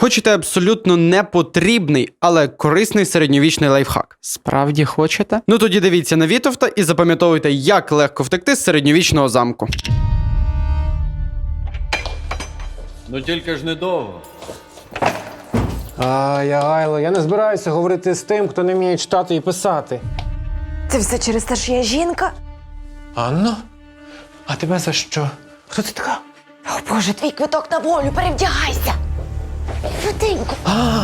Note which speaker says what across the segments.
Speaker 1: Хочете абсолютно непотрібний, але корисний середньовічний лайфхак?
Speaker 2: Справді хочете?
Speaker 1: Ну тоді дивіться на Вітовта і запам'ятовуйте, як легко втекти з середньовічного замку.
Speaker 3: Ну тільки ж недовго.
Speaker 4: Айло, я не збираюся говорити з тим, хто не вміє читати і писати.
Speaker 5: Це все через те, що я жінка?
Speaker 4: Анно? А тебе за що? Хто ти така?
Speaker 5: О, Боже, твій квиток на волю, перевдягайся! Швиденько!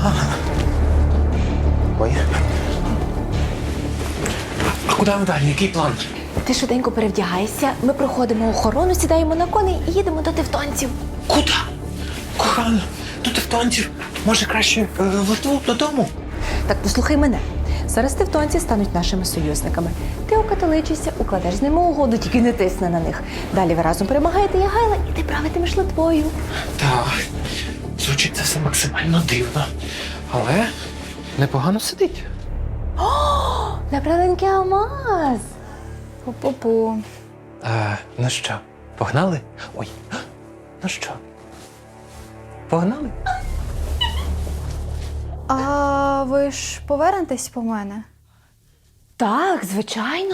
Speaker 4: Ой. А куди ми далі? Який план?
Speaker 5: Ти швиденько перевдягайся, ми проходимо охорону, сідаємо на коней і їдемо до тевтонців.
Speaker 4: Куди? Кохано, до тевтонців. Може краще в Литву додому?
Speaker 5: Так, послухай мене. Зараз тевтонці стануть нашими союзниками. Ти окатоличишся, укладеш з ними угоду, тільки не тисни на них. Далі ви разом перемагаєте Ягайла, і ти правитимеш Литвою.
Speaker 4: Так, звучить це все максимально дивно. Але непогано сидить.
Speaker 5: Направленький алмаз.
Speaker 6: Пу-пу-пу.
Speaker 4: Ну що, погнали? Ой, ну що? Погнали?
Speaker 6: А ви ж повернетесь по мене?
Speaker 5: Так, звичайно.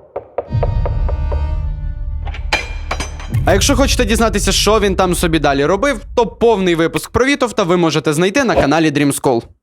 Speaker 1: А якщо хочете дізнатися, що він там собі далі робив, то повний випуск про Вітовта ви можете знайти на каналі Dream School.